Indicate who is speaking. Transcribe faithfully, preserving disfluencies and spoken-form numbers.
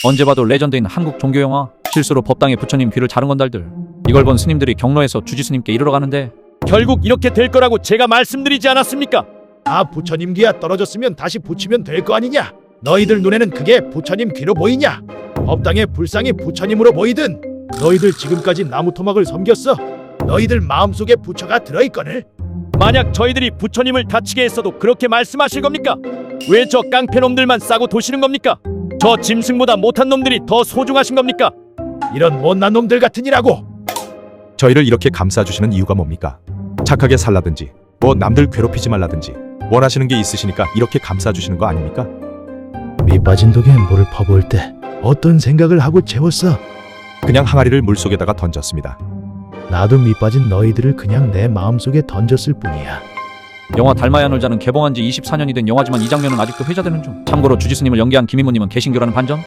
Speaker 1: 언제 봐도 레전드인 한국 종교영화. 실수로 법당에 부처님 귀를 자른 건달들. 이걸 본 스님들이 경로에서 주지스님께 이르러 가는데
Speaker 2: 결국 이렇게 될 거라고 제가 말씀드리지 않았습니까?
Speaker 3: 아, 부처님 귀야 떨어졌으면 다시 붙이면 될 거 아니냐? 너희들 눈에는 그게 부처님 귀로 보이냐? 법당의 불상이 부처님으로 보이든 너희들 지금까지 나무 토막을 섬겼어. 너희들 마음속에 부처가 들어있거늘.
Speaker 2: 만약 저희들이 부처님을 다치게 했어도 그렇게 말씀하실 겁니까? 왜 저 깡패놈들만 싸고 도시는 겁니까? 저 짐승보다 못한 놈들이 더 소중하신 겁니까?
Speaker 3: 이런 못난 놈들 같으니라고.
Speaker 4: 저희를 이렇게 감싸주시는 이유가 뭡니까? 착하게 살라든지 뭐 남들 괴롭히지 말라든지 원하시는 게 있으시니까 이렇게 감싸주시는 거 아닙니까?
Speaker 3: 밑빠진 독에 물을 퍼부을 때 어떤 생각을 하고 채웠어?
Speaker 4: 그냥 항아리를 물속에다가 던졌습니다.
Speaker 3: 나도 밑빠진 너희들을 그냥 내 마음속에 던졌을 뿐이야.
Speaker 1: 영화 달마야 놀자는 개봉한 지 이십사 년이 된 영화지만 이 장면은 아직도 회자되는 중. 참고로 주지스님을 연기한 김인모님은 개신교라는 반전.